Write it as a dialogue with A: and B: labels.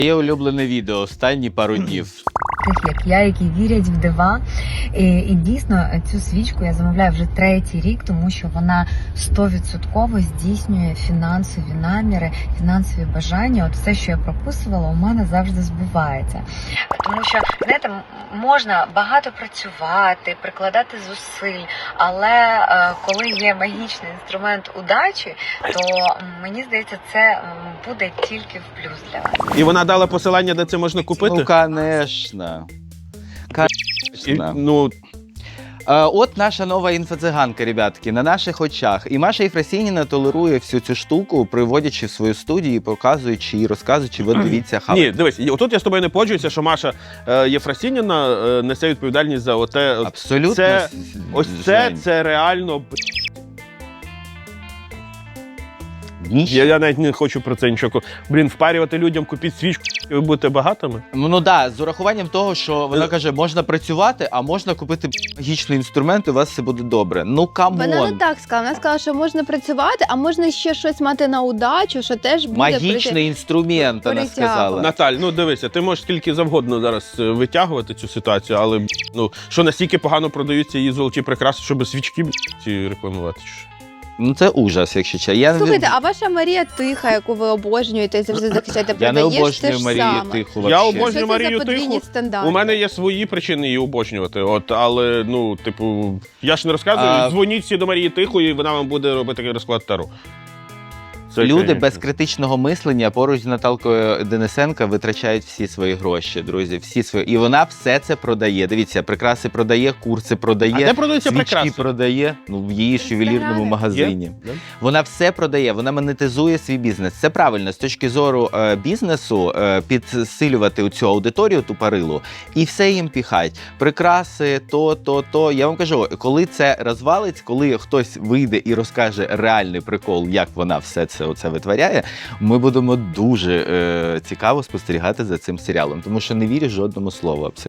A: Є улюблене відео останні пару днів.
B: Таких як я, які вірять в дива. І дійсно цю свічку я замовляю вже 3-й рік, тому що вона 100% здійснює фінансові наміри, фінансові бажання. От все, що я прописувала, у мене завжди збувається. Тому що, знаєте, можна багато працювати, прикладати зусиль, але коли є магічний інструмент удачі, то мені здається, це буде тільки в плюс для вас.
C: І вона дала посилання, де це можна купити?
A: Ну, конечно.
C: Ну,
A: От наша нова інфоциганка, ребятки, на наших очах. І Маша Єфросініна толерує всю цю штуку, приводячи в свою студію, показуючи і розказуючи, ви дивіться, хавайте.
C: ні, дивись, отут я з тобою не погоджуюся, що Маша Єфросініна несе відповідальність за оте.
A: Абсолютно.
C: Це реально.
A: Ніч.
C: Я навіть не хочу про це нічого. Блін, впарювати людям, купіть свічку, і ви будете багатими.
A: Ну да, з урахуванням того, що вона каже, можна працювати, а можна купити магічний інструмент, і у вас все буде добре. Ну, камон.
D: Вона не так сказала. Вона сказала, що можна працювати, а можна ще щось мати на удачу, що теж буде
A: Магічний інструмент, вона сказала.
C: Наталь, ну дивися, ти можеш скільки завгодно зараз витягувати цю ситуацію, але ну що настільки погано продаються її золоті прикраси, щоб свічки ці рекламувати.
A: Ну це ужас, якщо чесно.
D: Слухайте, а ваша Марія Тиха, яку ви обожнюєте і завжди захищаєте,
A: Я не
D: продаєш те
A: обожнюю
D: ж
A: Марію
D: саме.
A: Тиху.
C: Я
A: вообще.
C: обожнюю
D: Що це
C: Марію
D: за подвійні
C: Тиху.
D: стандарти?
C: У мене є свої причини її обожнювати. От, але ну, типу, я ж не розказую. Дзвоніть всі до Марії Тихої, і вона вам буде робити розклад Таро. Це,
A: Люди
C: конечно.
A: без критичного мислення поруч з Наталкою Денисенко витрачають всі свої гроші, друзі. Всі свої. І вона все це продає. Дивіться, прикраси продає, курси продає,
C: А де продаються
A: свічки
C: прикраси?
A: продає. Ну, в її ювелірному магазині.
C: Є?
A: Вона все продає, вона монетизує свій бізнес. Це правильно, з точки зору бізнесу, підсилювати цю аудиторію тупорилу і все їм піхать. Прикраси, то. Я вам кажу, коли це розвалить, коли хтось вийде і розкаже реальний прикол, як вона все це оце витворяє, ми будемо дуже цікаво спостерігати за цим серіалом, тому що не вірю жодному слову абсолютно.